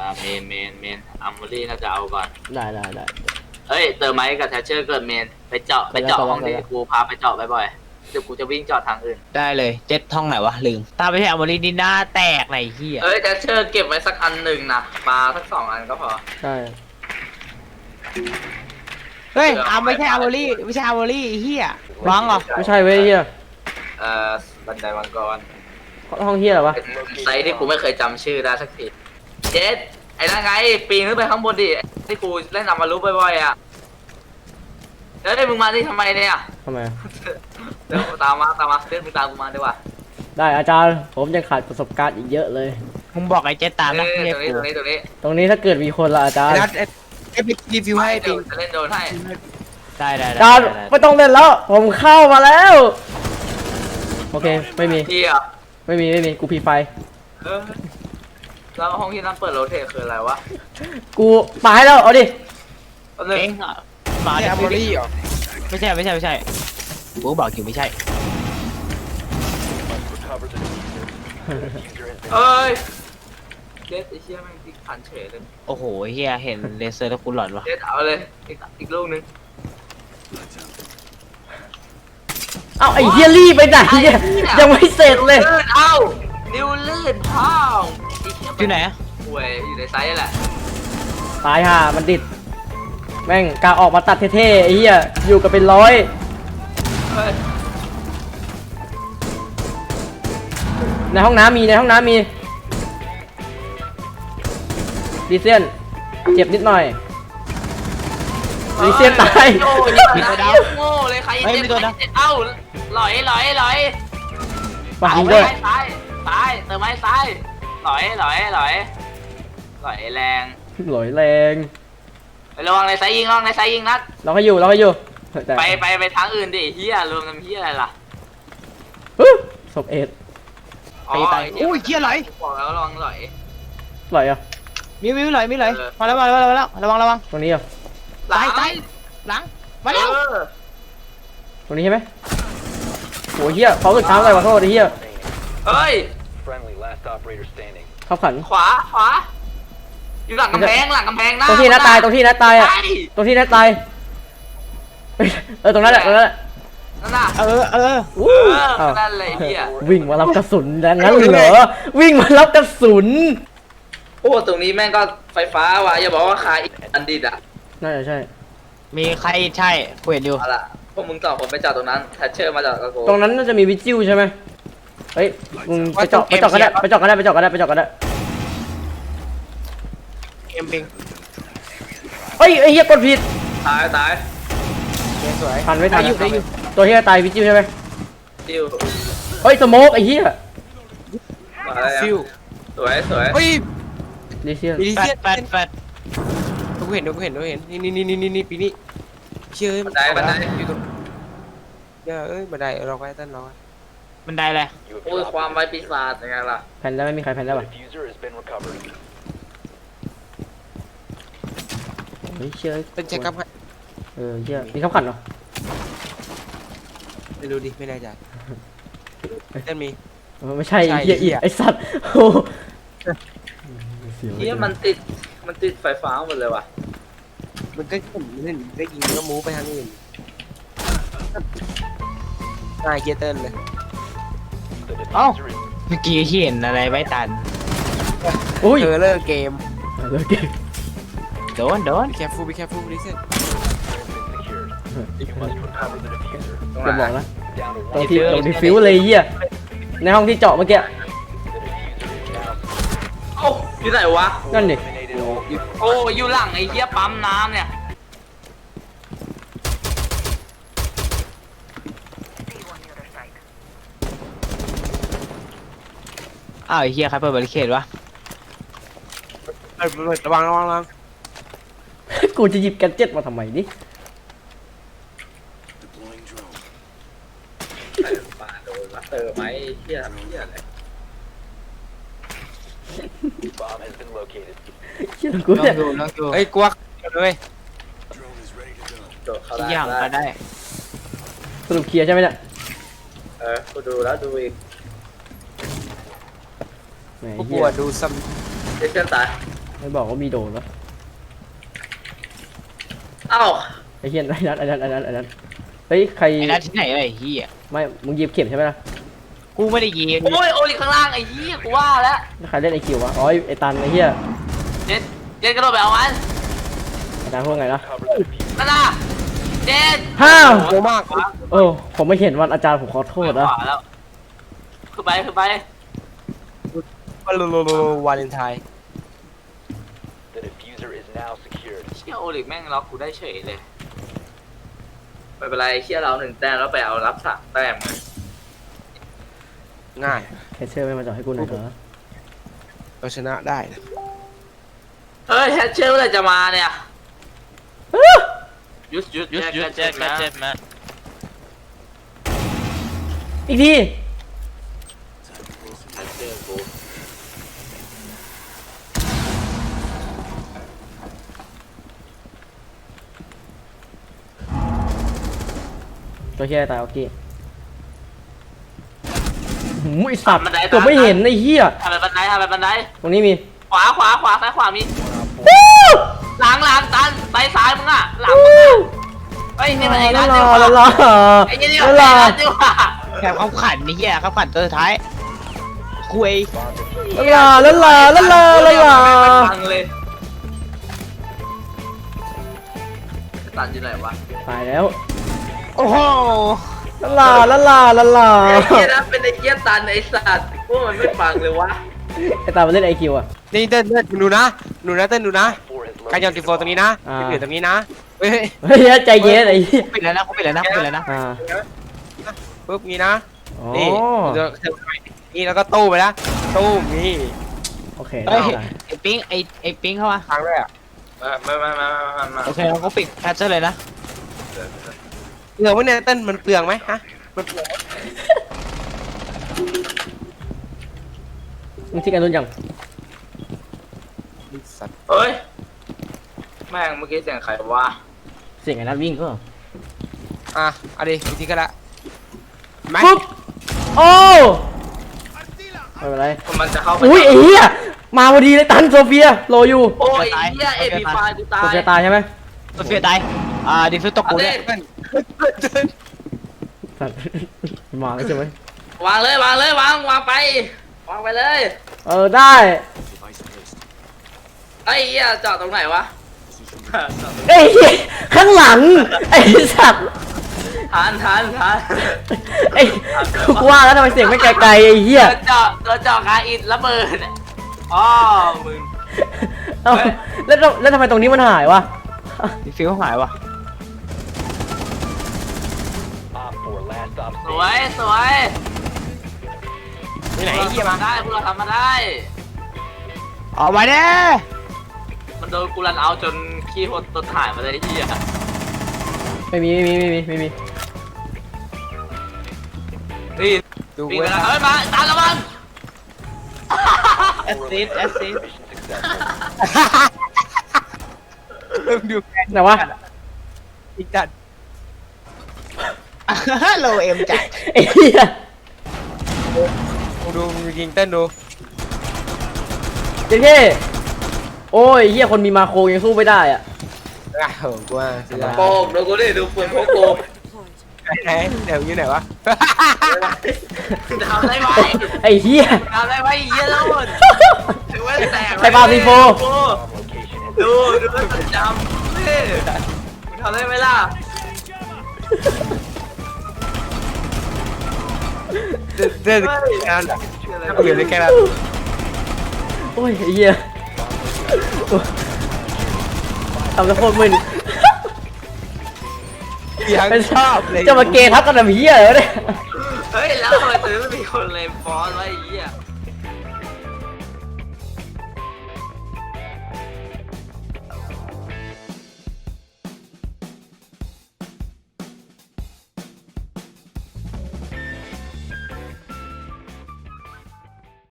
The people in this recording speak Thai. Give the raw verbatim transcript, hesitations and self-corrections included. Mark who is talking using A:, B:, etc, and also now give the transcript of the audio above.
A: าเมนเมนเมนอัมโมลี่น่าจะเอาก่อน
B: ได้ได้ได้
A: เฮ้ยเติมไม้กับแทชเชอร์เกิดเมนไปเจาะไปเจาะห้องที่กูพาไปเจาะบ่อยๆเดี๋ยวกูจะวิ่งเจาะทางอื่น
C: ได้เลยเจ็ดท่องไหนวะลืมตาไม่ใช่อัมโมลีนี่หน้าแตกไหนเฮีย
A: เฮ้ยแทชเชอร์เก็บไว้สักอันหนึ่งนะปลาสักสองอันก็พอ
B: ใช่
C: เฮ้ยอัมไม่ใช่อัมโมลีไม่ใช่อัมโมลีเฮียวังเหรอ
B: ไม่ใช่เว้ยเฮีย
A: เอ่อบันไดมังกร
B: ห้องเฮียเหรอวะ
A: ไซต์ที่กูไม่เคยจำชื่อได้สักทีเจ็ดไอ้นั่นไงปีนขึ้นไปข้างบนดิที่กูเล่นนำมารู้บ่อยๆอ่ะแล้วได้มึงมาที่ทำไมเนี่ย
B: ทำไม
A: เดี๋ยวตามมาตามมาเดินมึงตามกูมาดีกว่า
B: ได้อาจารย์ผมยังขาดประสบการณ์อีกเยอะเลย
C: มึงบอกไอ้เจ็ดตามนะ
A: ตรงนี้ตรงนี้ตรงนี้
B: ตรงนี้ถ้าเกิดมีคนละอาจารย์
C: ไอ้ไปรีวิวให้ปิง
A: จะเล่นโดนให้
C: ได้ได้
B: อาจารย์ไม่ต้องเล่นแล้วผมเข้ามาแล้วโอเคไม่มีไม่มีไม่มีกูพีไฟ
A: แล้วห้องที่นั่นเปิดโรเทคืออะไรวะ
B: กูปาให้แล้วเอาดิ
C: เองมาจากบริอ่ะไม่ใช่ไม่ใช่ไม่ใช่กูบอกอยู่ไม่ใช่
A: เอ้ยเด็ดไอ้เชี่ยแม่งติ๊กขันเฉยเลย
C: โอ้โหเฮียเห็นเลเซอร์แล้วกูหลอนวะ
A: เด็ดเอาเลยอีกอีกลูกนึง
B: เอาไอ้เฮียรี่ไปไหนเนี่ยยังไม่เสร็จเลย
A: เอ้าดิวลื่นท้อง
C: อยู่ไหน
A: ป่วยอยู่ในไซส์แหละ
B: ตายห่ามันดิดแม่งกาออกมาตัดเท่ๆไอ้เหี้ยอยู่กับเป็นร้อยในห้องน้ำมีในห้องน้ำมีดีเซียนเจ็บนิดหน่อยดีเซียนตาย
A: โง่โง่เลยใครเจ็บเอ้าหลอยหลอยหลอย
B: ปายิงด้วย
A: ซ้ายซ้ายเติมไม้ซ้ายหลอยหลอยหลอยหลอยแรง
B: หลอยแรง
A: ไประวังในไซยิงระวังในไซยิงนัด
B: เราให้อยู่เราให้อยู่
A: ไปไปไปทางอื่นดิเฮียรวมกันเฮียอะไรล่ะ
B: ศพเอ็ด
C: ไปตายอุ้ยเฮียไหล
A: บอกแล้วระวังไหล
B: ไหลอ่ะ
C: มีมีไหลมีไหลมาแล้วมาแล้วมาแล้วระวังระวัง
B: ตรงนี้อ่ะ
C: ตายตายหลังมาแล้ว
B: ตรงนี้ใช่ไหมโอ้ยเฮียเขาสุดท้ายเลยขอโทษดิเฮีย
A: เฮ้ย
B: เข้าขัน
A: ขวาขวาอยู่หลังกำแพงหลังกำแพงนะ
B: ตรงที่น้าตายตรงที่น้าตายอ่ะตรงที่น้าตายเออตรงนั้นแหละตรงนั้นแหละ
A: นั่นน่ะ
C: เออเออ
A: วู้นั่นเลยเฮีย
B: วิ่งมารับกระสุนดังนั้นเหรอวิ่งมารับกระสุน
A: โอ้ตรงนี้แม่งก็ไฟฟ้าว่ะอย่าบอกว่าคาอันดิดอ่ะ
B: น่าจะใช่
C: มีใครใช่คุยอยู่
A: เอาล่ะพวกมึงต่อผมไปจอดตรงนั้นแทชเชอร์มาจอดกับกู
B: ตรงนั้นน่าจะมีวิจิวใช่ไหมเฮ้ยมึงไปจอดไปจอดกันได้ไปจอดกันได้ไปจอดกันได้ไปจอดกันได้
C: เอ็มปิง
B: เฮ้ยไอ้เหี้ยกดผิด
A: ตายตาย
C: สวย
B: ทันไม่ทันตัวเหี้ยตายวิจิวใช่ไหม
A: ฟิว
B: เฮ้ยสโมกไอ้เหี้ย
A: ฟิวสวยสวย
C: เฮ้ย
B: ดิเซียน
C: ดิเซียนแฟดแฟดดูเห็นดูเห็นดูเห็นนี่นี่นี่นี่นี่ปีนี้เชื่อ
A: บันไดบันได
C: อยู่ตรงเดี๋ยวเอ้ยบันไดเราไปต้นเราบันไดอะไร
A: โอ้ยความไวปีศาจยังไงล่ะ
B: แผ่นได้ไม่มีใครแผ่นได้ป่ะเฮ้ยเชื่อ
C: เป็นเช็คกับ
B: เออเชื่อมีขับขันเหรอ
C: ไม่รู้ดิไม่แน่ใจเต้นมี
B: ไม่ใช่เหี้ยไอสัตว์โอ้
A: เหี้ยมันติดมันติดไฟฟ้าหมดเลยว่ะ
C: มันก็ผมเล่นได้ยิงก็มูไปทางอื่นง่ายเกียร์เต้นเลยเอ้าเมื่อกี้เห็นอะไรไว้ตัน
B: โอ้ย
C: เธอเลิกเกม
B: เลิกเกม
C: โดนโดนแคปฟูไปแคปฟูดิเซน
B: จะบอกนะตรงที่ตรงที่ฟิวเลยเหี้ยในห้องที่เจาะเมื่อกี้
A: โอ้อยู่ไหนวะ
B: นั่นดิ
A: โอ้อยู่หลังไอ้เหี้ยปั๊มน้ำเนี่ย
C: อ้าวไอ้เหี้ยใครเปิดบริเคดวะระวังระวังระวัง
B: กูจะหยิบแกนเจ็ตมาทำไมนี่
A: ป่าโดนมาเตอร์ไหมเหี้ยเหี้ยอะไร
B: เชื่อกูเนี่ย
C: เฮ้ยกวักเลยทุกอย่างก็ได้
B: สรุปเคลียร์ใช่ไหมเนี่ย
A: เออกูดูแล้วดูอีก
C: กูปวดดูซ้
A: ำเด็กเชื่อตาย
B: เไม่บอกว่ามีโดนวะ
A: เอ้า
B: ไอ้เหี้ยไอ้นัทไอ้นัทไอ้นัทไอ้นัทเฮ้ยใคร
C: ไอ้นั่นที่ไหนไอ้เหี้ย
B: ไม่มึงหยิบเข็มใช่ไหมล่ะ
C: กูไม่ได้ยิง
A: โอ้ยโอลิข้างล่างไอ้เหี้ยกูว่าแล้ว
B: ใครเล่นไอคิววะอ๋อไอ้ตันไอ้เหี้ย
A: เจ็ดเจ็ดกระโดดไปเอามัน
B: อาจารย์พูดไงนะ
A: นั่นน่ะเจ็ด
B: ห้าว
D: โง่มาก
B: โอ้ผมไม่เห็นวันอาจารย์ผมขอโทษนะ
A: ขวาแล้วขึ้นไปขึ้นไป
D: วันโลโลวาเลนไทน์
E: The diffuser is now secured.
A: เชี่ยโอลิแม่งล็อกกูได้เฉยเลยไม่เป็นไรเชี่ยเราหนึ่งแต้มแล้วไปเอารับสามแต้ม
D: ง่าย
B: แคชเชอร์ไม่มาจ่อให้กูหน่อยเถอะ
D: เราชนะได้นะ
A: เฮ้ยแฮชเชอร์เมื่อไหร่จะมาเนี่ยยุดยุด
F: Just,
A: แจ็ค
F: just
A: แจ็ค
F: check,
A: แจ็ค
F: check, man.
B: อีกที
A: แฮชเชอร์กู
B: ตัวเฮียตายโอเคหูไอสัตว์ตัวไม่เห็นไอ้เหี้ย
A: ทำไปบันไดทำไปบันได
B: ตรงนี้มี
A: ขวาขวาขวาซ้ายขวามีหลังหลังตันไปซ้ายมึงอ่ะหลังมึงอ่ะเฮ้ยนี่มันไอ้
B: ละ
A: นั่น
B: ลา
A: ดีกว่า
B: ละลา
A: ไอ้นี่
B: ละ
A: มัน
B: ลา
A: ไอ้นั่นดีกว่า
C: แถมเขาขันนี่เหี้ยเขาขันตัวสุดท้ายคุย
B: ละลาละลาละลาละลา
A: ไม่ฟังเลยตันอยู่ไหนวะ
B: ตายแล้ว
C: โอ้โห
B: ละลาละลาละลา
A: ไอ้เหี้ยนะเป็นไอ้เหี้ยตันไอ้สัตว์พวกมันไม่ฟังเลยวะ
B: ไอตามันเล่นไอคิวอ่ะ
D: นี่เต้นเต้นดูนะดูนะเต้นดูนะ
E: Four has
D: การยอนติโฟตรงนี้นะ
B: อ่า
D: ที่เหลือตรงนี้นะเฮ้ย
B: เฮ้ยใจเย็นไอ้เหี้ย
C: ปิดแล้วนะกูปิดแล้วนะกูปิดแล้วนะ
B: อ่า
D: ปุ๊บนี้นะ
B: อ๋อ
D: นี่เดี๋ยวนี่แล้วก็ตู้ไปนะตู้นี่
B: โอเค
C: เฮ้ย
B: ได้
C: ไอ้ปิ๊งไอ้ไอ้ปิ๊งเข้ามา
D: ครั้งแรก
A: ไม่ไม่ไม่ไม่ไม่ไม่
C: โอเคเราก็ปิดแพทเชอร์เลยนะ
D: เปลืองไหมเนี่ยเต้นมันเปลืองไหมฮะมันเปลือง
B: มึงที่กันรุ่นยัง
D: สัตว์
A: เฮ้ยแม่งเมื่อกี้เสียงใครวะ
B: เสียงไอ้นัทวิ่งก็
D: อ่ะเอาดิอีกทีก็ละไหม
B: ปุ๊บโอ้ไม่เป็นไร
A: มันจะเข้าไป
B: อุ้ยไอ้เหี้ยมาพอดีเลยตันโซเฟียโลอยู่
A: โอ้ยไอ้เหี้ยเอพีไฟกูตา
B: โซ
A: ย
B: เฟียตายใช่ไหม
C: ตัวเฟียตายอ่าดิฟิวตกกู
A: เอา
C: เนี่
A: ดิ
C: ย
D: เต้นเต้น
B: สัตว์มาแล้วใช่ไหม
A: วางเลยวางเลยวางวางไปวางไปเลย
B: เออได้
A: ไอ้เหี้ยจอดตรงไหนวะ
B: ไอ้เหี้ยข้างหลังไอ้สัตว์
A: ทานทานทาน
B: ไอ้กูว่าแล้วทำไมเสียงไม่ไกลๆไอ้เหี้ย
A: ตัวจอตัวจอคาอินระเบิดอ๋อมึง
B: เอ้าแล้วแล้วทำไมตรงนี้มันหายวะ
C: ดิฟิวหายวะ
E: Op four last stop
A: สวยสวย
D: ที่ไหนไอ้เหี้ยมา
A: ได้พวกเราทำมาได้
C: ออกมาเด้
A: มันโดนกูรันเอาจนขี้หดต้นถ่ายมาเลยไอ้เหี้ย
B: ไม่มีไม่มีไม่มีไม่มี
A: นี่
D: ดู
A: ปีน
D: เว้
A: ไป
D: ย
A: แล้วเฮ้ยมาตามระวัง
C: แอสซิสแอสซิส
E: mission successful.
D: เริ่มดู
B: ไหนวะ
D: อีกจัด
C: โลเอ็มจัด
B: ไอ้เหี้ย
D: ดูดูยิงเต้นดู
B: เจ๊เท่โอ้ยเหี้ยคนมีมาโคยังสู้ไม่ได้อ่ะ
D: อ่ะโหกูว่าเสีย
A: โป่งดูกูดิดูปืนพวกกู
D: ไหนเดี๋ยวอยู่ไหนวะ
A: ทำได้ไหม
B: ไอ้เหี้ย
A: ทำได้ไหมไอ้เหี้ยแล้วหมดถือว่าแตก
B: ใครปาซีโฟ
E: Bomb location has
A: ดูดูว่าจะจำนี่ทำได้ไหมล่ะ
D: เต้นเต้นแค่นั้นแหละถ้ากูอยู่ในแค่นั้น
B: โอ้ยไอ้เหี้ยทำแล้วโคตรมึน
D: ยังชอบเลย
B: จะมาเกย์ทักกันแบบเหี้ยเหรอเนี่ย
A: เฮ้ยแล้วทำไมตัวนี้ไม่มีคนเลยฟอนไว้ไอ้เหี้ย